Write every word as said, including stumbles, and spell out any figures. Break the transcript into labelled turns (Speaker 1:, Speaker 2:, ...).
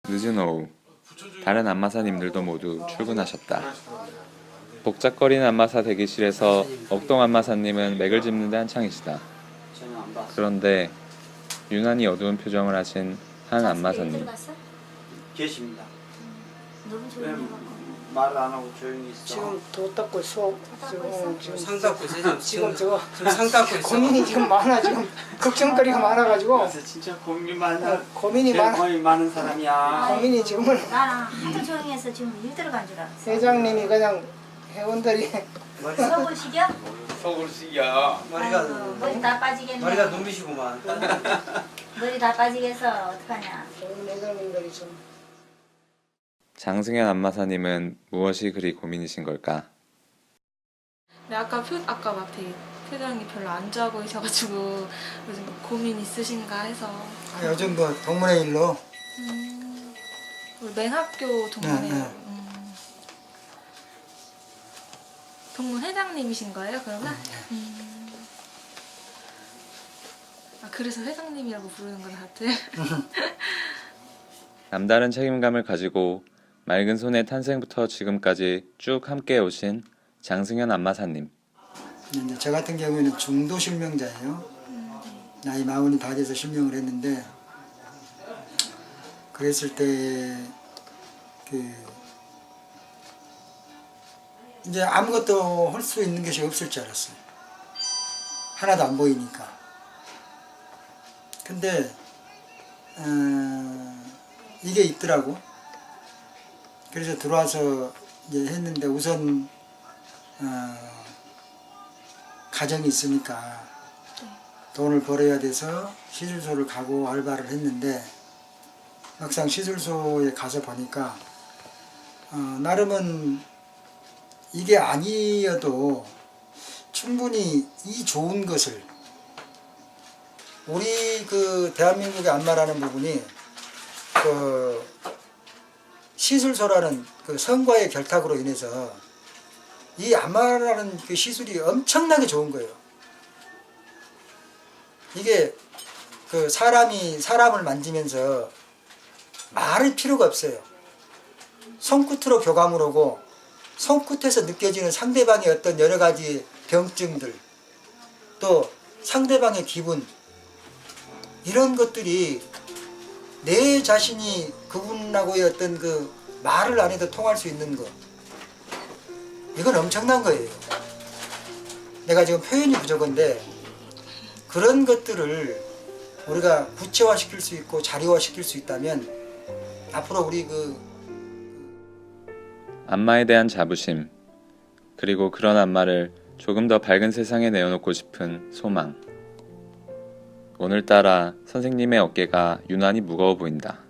Speaker 1: 늦은 오후, 다른 안마사님들도 모두 출근하셨다. 복잡거리는 안마사 대기실에서 억동 안마사님은 맥을 짚는 데 한창이시다. 그런데 유난히 어두운 표정을 하신 한 안마사님.
Speaker 2: 계십니다.
Speaker 3: 너무 조용해갖고
Speaker 2: 말 안 하고 조용히 있어.
Speaker 4: 지금 도 닦고 수업 지금 지금
Speaker 5: 상 닦고 있어요.
Speaker 4: 지금 저거
Speaker 5: 지금 상 닦고 있어.
Speaker 4: 고민이 지금 많아. 지금 걱정거리가 많아가지고
Speaker 2: 그래서 진짜 고민이 많아.
Speaker 4: 어, 고민이
Speaker 2: 제일
Speaker 4: 많아.
Speaker 2: 고민이 많은 사람이야.
Speaker 4: 고민이 지금은
Speaker 3: 나랑 하도 조용해서 지금 일 들어간 줄 알았어.
Speaker 4: 회장님이 그냥 회원들이
Speaker 3: 속을 시겨?
Speaker 2: 속을 시겨.
Speaker 5: 머리가
Speaker 3: 아이고, 머리 다 빠지겠네.
Speaker 5: 머리가 눈부시구만.
Speaker 3: 머리 다 빠지겠어. 어떡하냐.
Speaker 4: 회장님들이 좀
Speaker 1: 장승현 안마사님은 무엇이 그리 고민이신 걸까?
Speaker 6: 네, 아까 표, 아까 막 되게 표정이 별로 안 좋아 보이셔가지고 요즘 고민 있으신가 해서.
Speaker 4: 아, 요즘 뭐 동문회 일로
Speaker 6: 음, 우리 맹학교 동문회.
Speaker 4: 네, 네.
Speaker 6: 음, 동문 회장님이신 거예요, 그러면? 음. 아, 그래서 회장님이라고 부르는구나, 다들.
Speaker 1: 남다른 책임감을 가지고 맑은 손의 탄생부터 지금까지 쭉 함께 오신 장승현 안마사님.
Speaker 7: 이제 저 같은 경우에는 중도 실명자예요. 나이 마흔이 다 돼서 실명을 했는데, 그랬을 때 그 이제 아무것도 할 수 있는 것이 없을 줄 알았어요. 하나도 안 보이니까. 근데 어, 이게 있더라고. 그래서 들어와서 이제 했는데 우선 어, 가정이 있으니까 돈을 벌어야 돼서 시술소를 가고 알바를 했는데, 막상 시술소에 가서 보니까 어, 나름은 이게 아니어도 충분히 이 좋은 것을, 우리 그 대한민국의 안마라는 부분이 그 시술소라는 그 성과의 결탁으로 인해서 이 안마라는 그 시술이 엄청나게 좋은 거예요. 이게 그 사람이 사람을 만지면서 말할 필요가 없어요. 손끝으로 교감을 하고 손끝에서 느껴지는 상대방의 어떤 여러 가지 병증들, 또 상대방의 기분, 이런 것들이 내 자신이 그분하고의 어떤 그 말을 안 해도 통할 수 있는 것, 이건 엄청난 거예요. 내가 지금 표현이 부족한데 그런 것들을 우리가 구체화시킬 수 있고 자료화시킬 수 있다면 앞으로 우리 그
Speaker 1: 안마에 대한 자부심, 그리고 그런 안마를 조금 더 밝은 세상에 내어놓고 싶은 소망. 오늘따라 선생님의 어깨가 유난히 무거워 보인다.